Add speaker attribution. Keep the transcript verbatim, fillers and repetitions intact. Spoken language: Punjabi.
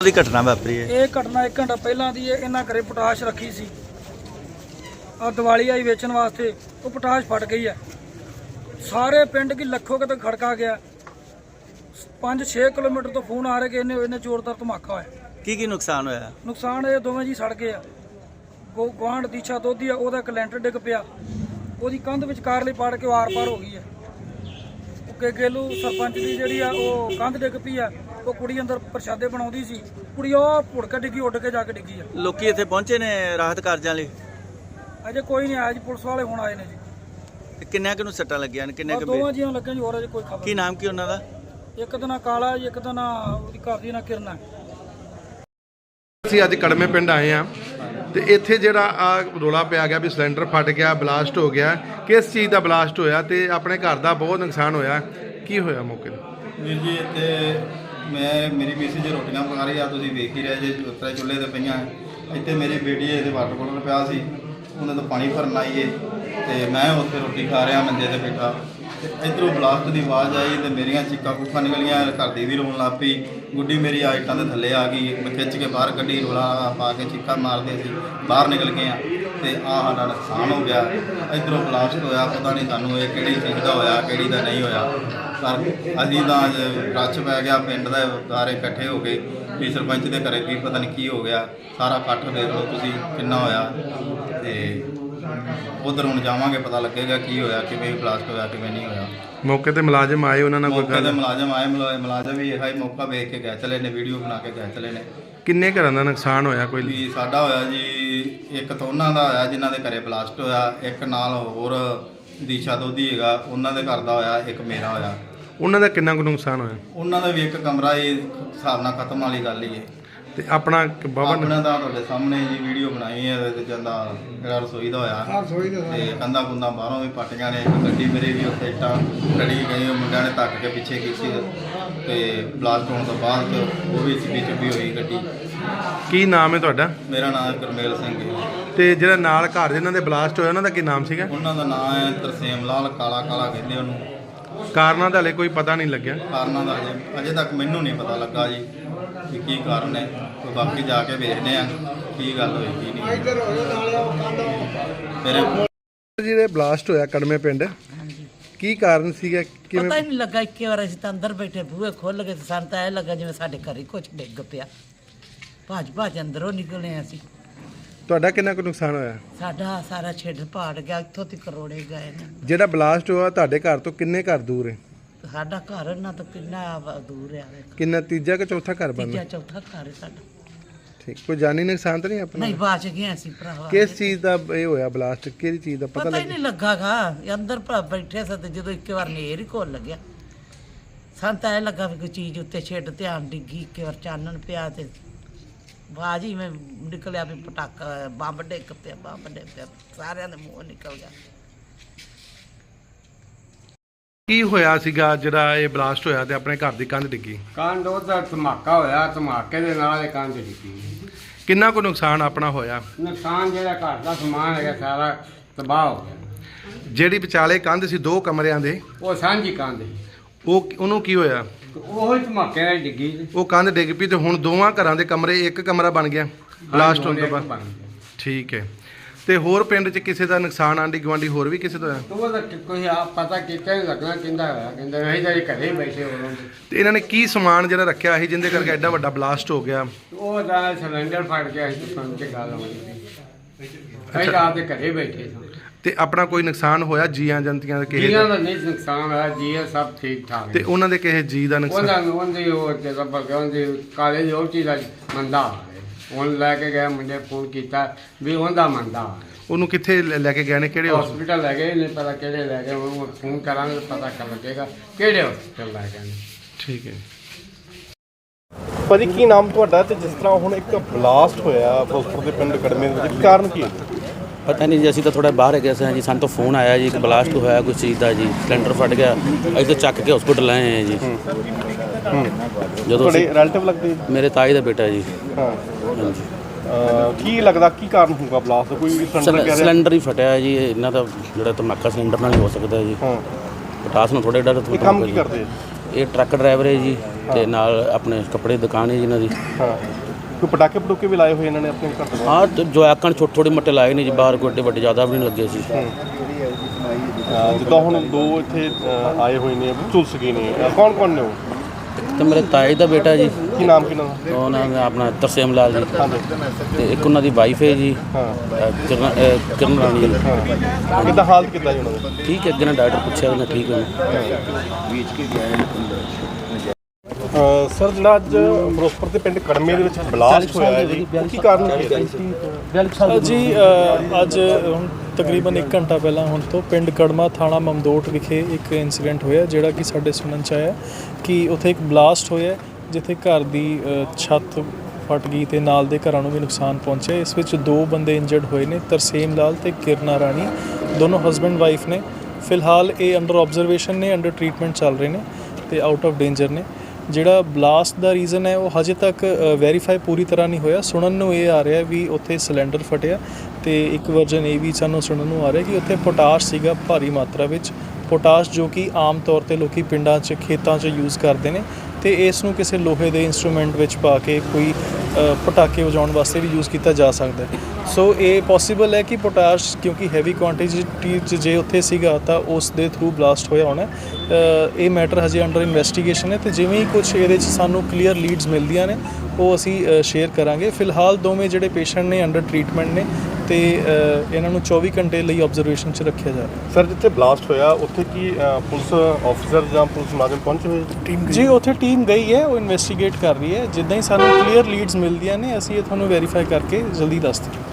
Speaker 1: ਦੀ ਘਟਨਾ ਵਾਪਰੀ ਹੈ?
Speaker 2: ਇਹ ਘਟਨਾ ਇੱਕ ਘੰਟਾ ਪਹਿਲਾਂ ਦੀ ਹੈ। ਇਹਨਾਂ ਘਰੇ ਪੋਟਾਸ਼ ਰੱਖੀ ਸੀ, ਆ ਦੀਵਾਲੀ ਆਈ ਵੇਚਣ ਵਾਸਤੇ, ਉਹ ਪੋਟਾਸ਼ ਫਟ ਗਈ ਹੈ। ਸਾਰੇ ਪਿੰਡ ਕੀ ਲੱਖੋਂ ਕਿਤੇ ਖੜਕਾ ਗਿਆ। ਪੰਜ ਛੇ ਕਿਲੋਮੀਟਰ ਤੋਂ ਫੋਨ ਆ ਰਹੇ ਕਿ ਇਹਨੇ ਇਹਨੇ ਜ਼ੋਰਦਾਰ ਧਮਾਕਾ ਹੋਇਆ।
Speaker 1: ਕੀ ਕੀ ਨੁਕਸਾਨ ਹੋਇਆ?
Speaker 2: ਨੁਕਸਾਨ ਇਹ ਦੋਵੇਂ ਜੀ ਸੜ ਗਏ ਆ। ਗੋ ਗੁਆਂਢ ਦੀਛਾ ਦੋਧੀ ਆ, ਉਹਦਾ ਇੱਕ ਲੈਂਟਰ ਡਿੱਗ ਪਿਆ, ਉਹਦੀ ਕੰਧ ਵਿਚਕਾਰ ਲਈ ਪੜ ਕੇ ਉਹ ਆਰ ਪਾਰ ਹੋ ਗਈ ਹੈ। ਉਹ ਕਿ ਗੇਲੂ ਸਰਪੰਚ ਦੀ ਜਿਹੜੀ ਆ ਉਹ ਕੰਧ ਡਿੱਗ ਪਈ ਆ। ਉਹ ਕੁੜੀ ਅੰਦਰ ਪ੍ਰਸ਼ਾਦੇ ਬਣਾਉਂਦੀ ਸੀ, ਕੁੜੀ ਉਹ ਭੁੜ ਕੇ ਡਿੱਗੀ, ਉੱਡ ਕੇ ਜਾ ਕੇ ਡਿੱਗੀ ਆ।
Speaker 1: ਲੋਕੀ ਇੱਥੇ ਪਹੁੰਚੇ ਨੇ ਰਾਹਤ ਕਾਰਜਾਂ ਲਈ?
Speaker 2: ਅਜੇ ਕੋਈ ਨਹੀਂ ਆਇਆ ਜੀ, ਪੁਲਿਸ ਵਾਲੇ ਹੁਣ ਆਏ ਨੇ ਜੀ।
Speaker 1: ਤੇ ਕਿੰਨਿਆਂ ਕੁ ਨੂੰ ਸੱਟਾਂ ਲੱਗੀਆਂ ਨੇ? ਕਿੰਨੇ ਕੁ
Speaker 2: ਦੋਵਾਂ ਜੀਆਂ ਲੱਗਿਆ ਜੀ, ਹੋਰ ਅਜੇ ਕੋਈ ਖਬਰ।
Speaker 1: ਕੀ ਨਾਮ ਕੀ ਉਹਨਾਂ ਦਾ?
Speaker 2: ਇੱਕ ਦਾ ਨਾਂ ਕਾਲਾ ਜੀ, ਇੱਕ ਦਾ ਨਾਂ ਉਹਦੀ ਘਰ ਦੀ ਨਾਂ ਕਿਰਨਾ।
Speaker 3: ਅਸੀਂ ਅੱਜ ਕੜਮੇ ਪਿੰਡ ਆਏ ਆ ਤੇ ਇੱਥੇ ਜਿਹੜਾ ਆ ਰੋਲਾ ਪਿਆ ਗਿਆ ਵੀ ਸਿਲੰਡਰ ਫਟ ਗਿਆ, ਬਲਾਸਟ ਹੋ ਗਿਆ। ਕਿਸ ਚੀਜ਼ ਦਾ ਬਲਾਸਟ ਹੋਇਆ ਤੇ ਆਪਣੇ ਘਰ ਦਾ ਬਹੁਤ ਨੁਕਸਾਨ ਹੋਇਆ, ਕੀ ਹੋਇਆ ਮੌਕੇ ਤੇ?
Speaker 4: ਵੀਰ ਜੀ ਇੱਥੇ ਮੈਂ ਮੇਰੀ ਮਿਸਿਸ ਰੋਟੀਆਂ ਪਕਾ ਰਹੀ ਆ, ਤੁਸੀਂ ਵੇਖ ਹੀ ਰਹੇ ਜੇ ਉਤਰੇ ਚੁੱਲ੍ਹੇ ਤੇ ਪਈਆਂ। ਇੱਥੇ ਮੇਰੀ ਬੇਟੀ ਇਹਦੇ ਵਾਟਰ ਕੂਲਰ ਪਿਆ ਸੀ, ਉਹਨਾਂ ਤੋਂ ਪਾਣੀ ਭਰਨ ਆਈਏ ਤੇ ਮੈਂ ਉੱਥੇ ਰੋਟੀ ਖਾ ਰਿਹਾ ਮੰਜੇ ਤੇ ਬੈਠਾ ਤੇ ਇੱਧਰੋਂ ਬਲਾਸਟ ਦੀ ਆਵਾਜ਼ ਆਈ ਤੇ ਮੇਰੀਆਂ ਚੀਕਾਂ ਕੁੱਖਾਂ ਨਿਕਲੀਆਂ। ਘਰ ਦੀ ਵੀ ਰੋਣ ਲੱਗ ਪਈ। ਗੁੱਡੀ ਮੇਰੀ ਆਈਟਾਂ ਦੇ ਥੱਲੇ ਆ ਗਈ, ਮੈਂ ਖਿੱਚ ਕੇ ਬਾਹਰ ਕੱਢੀ, ਰੋਲਾ ਪਾ ਕੇ ਚੀਕਾਂ ਮਾਰਦੇ ਸੀ, ਬਾਹਰ ਨਿਕਲ ਗਏ ਆ ਤੇ ਆਹ ਸਾਡਾ ਨੁਕਸਾਨ ਹੋ ਗਿਆ। ਇੱਧਰੋਂ ਬਲਾਸਟ ਹੋਇਆ, ਪਤਾ ਨਹੀਂ ਸਾਨੂੰ ਇਹ ਕਿਹੜੀ ਚੀਜ਼ ਦਾ ਹੋਇਆ, ਕਿਹੜੀ ਦਾ ਨਹੀਂ ਹੋਇਆ। ਪਰ ਅਸੀਂ ਤਾਂ ਰੱਛ ਪੈ ਗਿਆ ਪਿੰਡ ਦੇ ਸਾਰੇ ਇਕੱਠੇ ਹੋ ਕੇ ਵੀ ਸਰਪੰਚ ਦੇ ਘਰੇ ਕੀ ਪਤਾ ਨਹੀਂ ਕੀ ਹੋ ਗਿਆ। ਸਾਰਾ ਇਕੱਠ ਦੇਖ ਲਓ ਤੁਸੀਂ ਕਿੰਨਾ ਹੋਇਆ ਤੇ ਉਧਰ ਹੁਣ ਜਾਵਾਂਗੇ, ਪਤਾ ਲੱਗੇਗਾ ਕੀ ਹੋਇਆ, ਕਿਵੇਂ ਬਲਾਸਟ ਹੋਇਆ, ਕਿਵੇਂ ਨਹੀਂ ਹੋਇਆ।
Speaker 3: ਮੌਕੇ ਤੇ ਮੁਲਾਜ਼ਮ ਆਏ, ਉਹਨਾਂ ਨਾਲ ਕੋਈ
Speaker 4: ਮੌਕੇ ਤੇ
Speaker 3: ਗੱਲ?
Speaker 4: ਮੁਲਾਜ਼ਮ ਆਏ, ਮੁਲਾ- ਮੁਲਾਜ਼ਮ ਵੀ ਇਹੀ ਮੌਕਾ ਵੇਖ ਕੇ ਗਏ ਚਲੇ ਨੇ, ਵੀਡੀਓ ਬਣਾ ਕੇ ਗਏ ਚਲੇ ਨੇ।
Speaker 3: ਕਿੰਨੇ ਘਰਾਂ ਦਾ ਨੁਕਸਾਨ ਹੋਇਆ? ਕੋਈ
Speaker 4: ਵੀ ਸਾਡਾ ਹੋਇਆ ਜੀ, ਇੱਕ ਤਾਂ ਉਹਨਾਂ ਦਾ ਹੋਇਆ ਜਿਨ੍ਹਾਂ ਦੇ ਘਰੇ ਬਲਾਸਟ ਹੋਇਆ, ਇੱਕ ਨਾਲ ਹੋਰ ਦੀਸ਼ਾ ਦੋਧੀ ਹੈਗਾ, ਉਹਨਾਂ ਦੇ ਘਰ ਦਾ ਹੋਇਆ, ਇੱਕ ਮੇਰਾ ਹੋਇਆ।
Speaker 3: ਉਹਨਾਂ ਦਾ ਕਿੰਨਾ ਕੁ ਨੁਕਸਾਨ ਹੋਇਆ?
Speaker 4: ਉਹਨਾਂ ਦਾ ਵੀ ਇੱਕ ਕਮਰਾ ਹੀ ਹਿਸਾਬ ਨਾਲ ਖਤਮ ਵਾਲੀ ਗੱਲ ਹੀ ਹੈ।
Speaker 3: ਤੇ ਆਪਣਾ ਬਾਬਾ
Speaker 4: ਆਪਣਾ ਦਾ ਤੁਹਾਡੇ ਸਾਹਮਣੇ ਜੀ ਵੀਡੀਓ ਬਣਾਈ ਹੈ ਤੇ ਜਾਂਦਾ ਜਿਹੜਾ ਰਸੋਈ ਦਾ ਹੋਇਆ ਤੇ ਕੰਧਾਂ ਕੁੰਧਾਂ ਬਾਹਰੋਂ ਵੀ ਪੱਟੀਆਂ ਨੇ। ਗੱਡੀ ਮੇਰੇ ਵੀ ਉੱਥੇ ਇੱਟਾਂ ਖੜੀ ਗਈ, ਮੁੰਡਿਆਂ ਨੇ ਧੱਕ ਕੇ ਪਿੱਛੇ ਕੀਤੀ ਤੇ ਬਲਾਸਟ ਹੋਣ ਤੋਂ ਬਾਅਦ ਉਹ ਵੀ ਚਿੱਬੀ ਚੁੱਬੀ ਹੋਈ ਗੱਡੀ।
Speaker 3: ਕੀ ਨਾਮ ਹੈ ਤੁਹਾਡਾ?
Speaker 4: ਮੇਰਾ ਨਾਮ ਗੁਰਮੇਲ ਸਿੰਘ ਹੈ।
Speaker 3: ਤੇ ਜਿਹੜਾ ਨਾਲ ਘਰ ਜਿਨ੍ਹਾਂ ਦੇ ਬਲਾਸਟ ਹੋਇਆ ਉਹਨਾਂ ਦਾ ਕੀ ਨਾਮ ਸੀਗਾ?
Speaker 4: ਉਹਨਾਂ ਦਾ ਨਾਮ ਹੈ ਤਰਸੇਮ ਲਾਲ, ਕਾਲਾ ਕਾਲਾ ਕਹਿੰਦੇ ਉਹਨੂੰ।
Speaker 3: ਕਾਰਨਾਂ ਦਾ ਹਲੇ ਕੋਈ ਪਤਾ ਨਹੀਂ ਲੱਗਿਆ?
Speaker 4: ਕਾਰਨਾਂ ਦਾ ਅਜੇ ਅਜੇ ਤੱਕ ਮੈਨੂੰ ਨਹੀਂ ਪਤਾ ਲੱਗਾ ਜੀ ਕਿ ਕੀ ਕਾਰਨ ਹੈ। ਕੋਈ ਬਾਕੀ ਜਾ ਕੇ ਵੇਖਦੇ ਆ ਕੀ ਗੱਲ ਹੋਈ ਕੀ ਨਹੀਂ। ਮੇਰੇ
Speaker 3: ਜਿਹੜੇ ਬਲਾਸਟ ਹੋਇਆ ਕੜਮੇ ਪਿੰਡ, ਕੀ ਕਾਰਨ ਸੀਗਾ? ਕਿਵੇਂ
Speaker 5: ਪਤਾ ਹੀ ਨਹੀਂ ਲੱਗਾ। ਇੱਕੇ ਵਾਰ ਅਸੀਂ ਤਾਂ ਅੰਦਰ ਬੈਠੇ, ਬੂਹੇ ਖੁੱਲ ਗਏ ਤੇ ਸਾਨੂੰ ਤਾਂ ਇਹ ਲੱਗਾ ਜਿਵੇਂ ਸਾਡੇ ਘਰ ਹੀ ਕੁਛ ਡਿੱਗ ਪਿਆ। ਭੱਜ ਭੱਜ ਅੰਦਰੋਂ ਨਿਕਲੇ ਅਸੀਂ।
Speaker 3: ਤੁਹਾਡਾ ਕਿੰਨਾ ਕੁ ਨੁਕਸਾਨ ਹੋਇਆ?
Speaker 5: ਸਾਡਾ ਸਾਰਾ ਛਿੱਡ ਪਾੜ ਗਿਆ, ਇੱਥੋਂ ਤੱਕ ਕਰੋੜੇ ਗਏ ਨੇ।
Speaker 3: ਜਿਹੜਾ ਬਲਾਸਟ ਹੋਇਆ ਤੁਹਾਡੇ ਘਰ ਤੋਂ ਕਿੰਨੇ ਘਰ ਦੂਰ ਹੈ?
Speaker 5: ਸਾਡਾ ਘਰ ਇਹਨਾਂ ਤੋਂ ਕਿੰਨਾ ਵਾ- ਦੂਰ ਆ। ਵੇਖ,
Speaker 3: ਕਿੰਨਾ, ਤੀਜਾ ਕਿ ਚੌਥਾ ਘਰ ਬਣਨਾ?
Speaker 5: ਤੀਜਾ ਚੌਥਾ ਘਰ ਹੈ ਸਾਡਾ।
Speaker 3: ਠੀਕ, ਕੋਈ ਜਾਨੀ ਨੁਕਸਾਨ ਤਾਂ ਨਹੀਂ ਆਪਣਾ?
Speaker 5: ਨਹੀਂ, ਬਚ ਗਏ ਅਸੀਂ ਭਰਾਵਾ।
Speaker 3: ਕਿਸ ਚੀਜ਼ ਦਾ ਇਹ ਹੋਇਆ ਬਲਾਸਟ? ਕਿਹੜੀ ਚੀਜ਼ ਦਾ ਪਤਾ
Speaker 5: ਪਤਾ ਹੀ
Speaker 3: ਲੱਗਾ?
Speaker 5: ਨਹੀਂ ਲੱਗਾਗਾ। ਅੰਦਰ ਭਰਾ ਬੈਠੇ ਸੀ ਤੇ ਜਦੋਂ ਇੱਕੇ ਵਾਰ ਨੇਰ ਹੀ ਖੋਲ ਲੱਗਿਆ, ਸਾਨੂੰ ਤਾਂ ਇਹ ਲੱਗਾ ਵੀ ਕੋਈ ਚੀਜ਼ ਉੱਤੇ ਛਿੱਡ ਧਿਆਨ ਡਿੱਗੀ। ਇੱਕੇ ਵਾਰ ਚਾਨਣ ਪਿਆ ਤੇ ਬਾਜੀ ਮੈਂ ਨਿਕਲਿਆ ਵੀ ਪਟਾਕਾ, ਬੰਬ ਡਿੱਗ ਪਿਆ, ਬੰਬ ਡਿੱਗ ਪਿਆ, ਸਾਰਿਆਂ ਦੇ ਮੂੰਹ ਨਿਕਲ ਗਿਆ।
Speaker 3: ਕੀ ਹੋਇਆ ਸੀਗਾ ਜਿਹੜਾ ਇਹ ਬਲਾਸਟ ਹੋਇਆ ਤੇ ਆਪਣੇ ਘਰ ਦੀ ਕੰਧ ਡਿੱਗੀ?
Speaker 6: ਕੰਧ ਉਹਦਾ ਧਮਾਕਾ ਹੋਇਆ, ਧਮਾਕੇ ਦੇ ਨਾਲ ਇਹ ਕੰਧ ਡਿੱਗੀ।
Speaker 3: ਕਿੰਨਾ ਕੁ ਨੁਕਸਾਨ ਆਪਣਾ ਹੋਇਆ?
Speaker 6: ਨੁਕਸਾਨ ਜਿਹੜਾ ਘਰ ਦਾ ਸਮਾਨ ਹੈਗਾ ਸਾਰਾ ਤਬਾਹ ਹੋ ਗਿਆ।
Speaker 3: ਜਿਹੜੀ ਵਿਚਾਲੇ ਕੰਧ ਸੀ ਦੋ ਕਮਰਿਆਂ ਦੇ,
Speaker 6: ਉਹ ਸਾਂਝੀ ਕੰਧ ਸੀ,
Speaker 3: ਉਹ ਉਹਨੂੰ ਕੀ ਹੋਇਆ?
Speaker 6: ਤੇ ਉਹ ਹੀ ਧਮਾਕੇ ਨਾਲ ਡਿੱਗੀ ਤੇ
Speaker 3: ਉਹ ਕੰਧ ਡਿੱਗ ਪਈ ਤੇ ਹੁਣ ਦੋਵਾਂ ਘਰਾਂ ਦੇ ਕਮਰੇ ਇੱਕ ਕਮਰਾ ਬਣ ਗਿਆ ਬਲਾਸਟ ਹੋਣ ਤੋਂ ਬਾਅਦ?
Speaker 6: ਬਣ ਗਿਆ।
Speaker 3: ਠੀਕ ਹੈ। ਤੇ ਹੋਰ ਪਿੰਡ 'ਚ ਕਿਸੇ ਦਾ ਨੁਕਸਾਨ, ਆਂਢੀ ਗੁਆਂਢੀ ਹੋਰ ਵੀ ਕਿਸੇ ਦਾ ਹੋਇਆ?
Speaker 6: ਤੇ ਉਹਦਾ ਕਿ- ਕੋਈ ਆਪ ਪਤਾ ਕੀਤਾ ਨਹੀਂ ਲੱਗਣਾ ਕਿੰਦਾ ਹੋਇਆ। ਕਹਿੰਦੇ ਅਸੀਂ ਤਾਂ ਜੀ ਘਰੇ ਹੀ ਬੈਠੇ ਹੋਏ।
Speaker 3: ਤੇ ਇਹਨਾਂ ਨੇ ਕੀ ਸਮਾਨ ਜਿਹੜਾ ਰੱਖਿਆ ਸੀ ਜਿਹਦੇ ਕਰਕੇ ਐਡਾ ਵੱਡਾ ਬਲਾਸਟ ਹੋ ਗਿਆ?
Speaker 6: ਉਹ ਦਾ ਸਿਲੰਡਰ ਫਟ ਗਿਆ ਸੀ ਤੇ ਸੁਣ ਕੇ ਗੱਲ ਹੋਈ ਸੀ। ਅਸੀਂ ਤਾਂ ਆਪਦੇ ਘਰੇ ਬੈਠੇ ਸਾਂ।
Speaker 3: ਤੇ ਆਪਣਾ ਕੋਈ ਨੁਕਸਾਨ ਹੋਇਆ ਜੀਆਂ ਜੰਤੀਆਂ ਦਾ ਕਿਸੇ
Speaker 6: ਜੀਆਂ
Speaker 3: ਦਾ?
Speaker 6: ਦਾ ਨਹੀਂ ਨੁਕਸਾਨ ਹੋਇਆ, ਜੀਆ ਸਭ ਠੀਕ ਠਾਕ
Speaker 3: ਤੇ
Speaker 6: ਹੈ।
Speaker 3: ਉਹਨਾਂ ਦੇ ਕਿਸੇ ਜੀ ਦਾ ਨੁਕਸਾਨ?
Speaker 6: ਉਹਨਾਂ ਨੂੰ ਉਹਦੇ ਉਹ ਤੇ ਰੱਬਰ ਕਹਿੰਦੇ ਕਾਲੇ ਜੋ ਚੀਜ਼ ਦਾ ਮੰਦਾ ਉਹਨ ਲੈ ਕੇ ਗਏ, ਮੁੰਡੇ ਫੋਨ ਕੀਤਾ ਵੀ ਉਹਦਾ ਮੰਦਾ।
Speaker 3: ਉਹਨੂੰ ਕਿੱਥੇ ਲੈ ਲੈ ਕੇ ਗਏ ਨੇ? ਕਿਹੜੇ hospital?
Speaker 6: ਹਸਪੀਟਲ ਲੈ ਗਏ, ਨਹੀਂ ਪਤਾ ਕਿਹੜੇ ਲੈ ਗਏ। ਉਹਨੂੰ ਫੋਨ ਕਰਾਂਗੇ ਪਤਾ ਕਰ ਲੱਗੇਗਾ ਕਿਹੜੇ ਹਸਪੀਟਲ ਲੈ ਗਏ ਨੇ।
Speaker 3: ਠੀਕ ਹੈ।
Speaker 7: ਭਾਜੀ ਕੀ ਨਾਮ ਤੁਹਾਡਾ ਤੇ ਜਿਸ ਤਰ੍ਹਾਂ ਹੁਣ ਇੱਕ ਬਲਾਸਟ ਹੋਇਆ ਫਿਰੋਜ਼ਪੁਰ ਦੇ ਪਿੰਡ ਕੜਮੇ ਦੇ ਵਿੱਚ, ਕਾਰਨ ਕੀ ਹੈ?
Speaker 8: ਪਤਾ ਨਹੀਂ ਜੀ, ਅਸੀਂ ਤਾਂ ਥੋੜਾ ਬਾਹਰ ਗਏ ਸੀ ਜੀ। ਸਾਨੂੰ ਤਾਂ ਫੋਨ ਆਇਆ ਜੀ ਕਿ ਬਲਾਸਟ ਹੋਇਆ ਕੋਈ ਚੀਜ਼ ਦਾ ਜੀ, ਸਿਲੰਡਰ ਫਟ ਗਿਆ। ਅਸੀਂ ਤਾਂ ਚੱਕ ਕੇ ਹਸਪੀਟਲ ਆਏ ਹਾਂ ਜੀ। ਜਦੋਂ
Speaker 7: ਤੁਹਾਡੇ
Speaker 8: ਅਸੀਂ-
Speaker 7: ਰਿਲੇਟਿਵ ਲੱਗਦੇ?
Speaker 8: ਮੇਰੇ ਤਾਈ ਦਾ ਬੇਟਾ ਜੀ।
Speaker 7: ਹਾਂ।
Speaker 8: ਹਾਂਜੀ।
Speaker 7: ਅਹ ਕੀ ਲੱਗਦਾ ਕੀ ਕਾਰਨ ਹੋਊਗਾ ਬਲਾਸਟ ਦਾ? ਕੋਈ ਸਿਲੰਡਰ
Speaker 8: ਸਿਲ-
Speaker 7: ਕਹਿ ਰਿਹਾ?
Speaker 8: ਸਿਲੰਡਰ ਹੀ ਫਟਿਆ ਜੀ। ਇਹਨਾਂ ਦਾ ਜਿਹੜਾ ਧਮਾਕਾ ਸਿਲੰਡਰ ਨਾਲ ਹੀ ਹੋ ਸਕਦਾ ਜੀ।
Speaker 7: ਹਾਂ।
Speaker 8: ਪਟਾਸ ਨੂੰ ਥੋੜੇ ਡਰ
Speaker 7: ਇਹ ਕੰਮ ਕੀ ਕਰਦੇ?
Speaker 8: ਇਹ ਟਰੱਕ ਡਰਾਈਵਰ ਹੈ ਜੀ ਤੇ ਨਾਲ ਆਪਣੇ ਕੱਪੜੇ ਦੀ ਦੁਕਾਨ ਹੈ ਜੀ ਇਹਨਾਂ ਦੀ।
Speaker 7: ਹਾਂ, ਕੋਈ ਪਟਾਕੇ ਪਟੂਕੇ ਵੀ ਲਾਏ ਹੋਏ ਇਹਨਾਂ ਨੇ ਆਪਣੇ ਘਰ ਤੋਂ?
Speaker 8: ਹਾਂ ਤੇ ਜੋ ਆਕਣ ਛੋਟੇ ਥੋੜੇ ਮੋਟੇ ਲਾਏ ਨੇ ਜੀ, ਬਾਹਰ ਕੋਈ ਏਡੇ ਵੱਡੇ ਜ਼ਿਆਦਾ ਵੀ ਨਹੀਂ ਲੱਗੇ ਸੀ।
Speaker 7: ਅਹ ਜਿੱਦਾਂ ਹੁਣ ਦੋ ਇੱਥੇ ਅਹ ਆਏ ਹੋਏ ਨੇ ਝੁਲਸ ਗਏ ਨੇ, ਕੌਣ ਕੌਣ ਨੇ ਉਹ?
Speaker 8: ਤੇ ਮੇਰੇ ਤਾਏ ਦਾ ਬੇਟਾ ਜੀ,
Speaker 7: ਕੀ ਨਾਮ ਕਿਹਨਾਂ ਦਾ?
Speaker 8: ਉਹਨਾਂ ਦਾ ਆਪਣਾ ਤਰਸੇਮ ਲਾਲ ਜੀ,
Speaker 7: ਹਾਂਜੀ।
Speaker 8: ਤੇ ਇੱਕ ਉਹਨਾਂ ਦੀ ਵਾਈਫ ਹੈ ਜੀ
Speaker 7: ਹਾਂ
Speaker 8: ਅਹ ਕਿਰਨ ਅਹ ਕਿਰਨ ਰਾਣੀ ਜੀ।
Speaker 7: ਹਾਂ, ਕਿੱਦਾਂ ਹਾਲਤ ਕਿੱਦਾਂ ਜੀ ਉਹਨਾਂ ਦੀ?
Speaker 8: ਠੀਕ ਹੈ, ਅੱਗੇ ਨਾ ਡਾਕਟਰ ਪੁੱਛਿਆ ਉਹਨਾਂ ਠੀਕ ਹੈ।
Speaker 7: ਅਹ ਸਰ, ਜਿਹੜਾ ਅੱਜ ਫਿਰੋਜ਼ਪੁਰ ਦੇ ਪਿੰਡ ਕੜਮੇ ਦੇ ਵਿੱਚ ਬਲਾਸਟ ਹੋਇਆ ਹੈ ਜੀ, ਉਹ ਕੀ ਕਾਰਨ ਕੀ ਹੈ ਜੀ?
Speaker 9: ਜੀ ਅ, ਅੱਜ ਹੁਣ ਤਕਰੀਬਨ ਇੱਕ ਘੰਟਾ ਪਹਿਲਾਂ ਹੁਣ ਤੋਂ ਪਿੰਡ ਕੜਮਾ ਥਾਣਾ ਮਮਦੋਟ ਵਿਖੇ ਇੱਕ ਇਨਸੀਡੈਂਟ ਹੋਇਆ, ਜਿਹੜਾ ਕਿ ਸਾਡੇ ਸੁਣਨ 'ਚ ਆਇਆ ਕਿ ਉੱਥੇ ਇੱਕ ਬਲਾਸਟ ਹੋਇਆ ਜਿੱਥੇ ਘਰ ਦੀ ਅ, ਛੱਤ ਫਟ ਗਈ ਤੇ ਨਾਲ ਦੇ ਘਰਾਂ ਨੂੰ ਵੀ ਨੁਕਸਾਨ ਪਹੁੰਚਿਆ। ਇਸ ਵਿੱਚ ਦੋ ਬੰਦੇ ਇੰਜਰਡ ਹੋਏ ਨੇ, ਤਰਸੇਮ ਲਾਲ ਤੇ ਕਿਰਨਾ ਰਾਣੀ, ਦੋਨੋਂ ਹਸਬੈਂਡ ਵਾਈਫ ਨੇ। ਫਿਲਹਾਲ ਇਹ ਅੰਡਰ ਆਬਜ਼ਰਵੇਸ਼ਨ ਨੇ, ਅੰਡਰ ਟਰੀਟਮੈਂਟ ਚੱਲ ਰਹੇ ਨੇ ਤੇ ਆਊਟ ਆਫ ਡੇਂਜਰ ਨੇ। ਜਿਹੜਾ ਬਲਾਸਟ ਦਾ ਰੀਜ਼ਨ ਹੈ ਉਹ ਹਜੇ ਤੱਕ ਵੈਰੀਫਾਈ ਪੂਰੀ ਤਰ੍ਹਾਂ ਨਹੀਂ ਹੋਇਆ। ਸੁਣਨ ਨੂੰ ਇਹ ਆ ਰਿਹਾ ਵੀ ਉੱਥੇ ਸਿਲੰਡਰ ਫਟਿਆ ਤੇ ਇੱਕ ਵਰਜਨ ਇਹ ਵੀ ਸਾਨੂੰ ਸੁਣਨ ਨੂੰ ਆ ਰਿਹਾ ਕਿ ਉੱਥੇ ਪੋਟਾਸ਼ ਸੀਗਾ ਭਾਰੀ ਮਾਤਰਾ ਵਿੱਚ, ਪੋਟਾਸ਼ ਜੋ ਕਿ ਆਮ ਤੌਰ ਤੇ ਲੋਕੀ ਪਿੰਡਾਂ 'ਚ ਖੇਤਾਂ 'ਚ ਯੂਜ਼ ਕਰਦੇ ਨੇ ਤੇ ਇਸ ਨੂੰ ਕਿਸੇ ਲੋਹੇ ਦੇ ਇਨਸਟਰੂਮੈਂਟ ਵਿੱਚ ਪਾ ਕੇ ਕੋਈ ਪਟਾਕੇ ਵਜਾਉਣ ਵਾਸਤੇ ਵੀ ਯੂਜ਼ ਕੀਤਾ ਜਾ ਸਕਦਾ ਹੈ। ਸੋ ਇਹ ਪੋਸੀਬਲ ਹੈ ਕਿ ਪੋਟਾਸ਼ ਕਿਉਂਕਿ ਹੈਵੀ ਕੁਆਂਟੀਟੀ 'ਚ ਜੇ ਉੱਥੇ ਸੀਗਾ ਤਾਂ ਉਸ ਦੇ ਥਰੂ ਬਲਾਸਟ ਹੋਇਆ ਹੋਣਾ। ਇਹ ਮੈਟਰ ਹਜੇ ਅੰਡਰ ਇਨਵੈਸਟੀਗੇਸ਼ਨ ਹੈ ਤੇ ਜਿਵੇਂ ਹੀ ਕੁਝ ਇਹਦੇ 'ਚ ਸਾਨੂੰ ਕਲੀਅਰ ਲੀਡਸ ਮਿਲਦੀਆਂ ਨੇ ਉਹ ਅਸੀਂ ਸ਼ੇਅਰ ਕਰਾਂਗੇ। ਫਿਲਹਾਲ ਦੋਵੇਂ ਜਿਹੜੇ ਪੇਸ਼ੈਂਟ ਨੇ ਅੰਡਰ ਟਰੀਟਮੈਂਟ ਨੇ ਤੇ ਇਹਨਾਂ ਨੂੰ ਚੌਵੀ ਘੰਟੇ ਲਈ ਆਬਜ਼ਰਵੇਸ਼ਨ 'ਚ ਰੱਖਿਆ ਜਾ ਰਿਹਾ।
Speaker 7: ਸਰ, ਜਿੱਥੇ ਬਲਾਸਟ ਹੋਇਆ ਉੱਥੇ ਕੀ ਅਹ, ਪੁਲਿਸ ਆਫੀਸਰ ਜਾਂ ਪੁਲਿਸ ਮੁਲਾਜ਼ਮ ਪਹੁੰਚੇ ਹੋਏ ਟੀਮ?
Speaker 9: ਜੀ ਉੱਥੇ ਟੀਮ ਗਈ ਹੈ, ਉਹ ਇਨਵੈਸਟੀਗੇਟ ਕਰ ਰਹੀ ਹੈ। ਜਿੱਦਾਂ ਹੀ ਸਾਨੂੰ ਕਲੀਅਰ ਲੀਡਸ ਮਿਲਦੀਆਂ ਨੇ ਅਸੀਂ ਇਹ ਤੁਹਾਨੂੰ ਵੈਰੀਫਾਈ ਕਰਕੇ ਜਲਦੀ ਦੱਸ ਦਿੰਦੇ।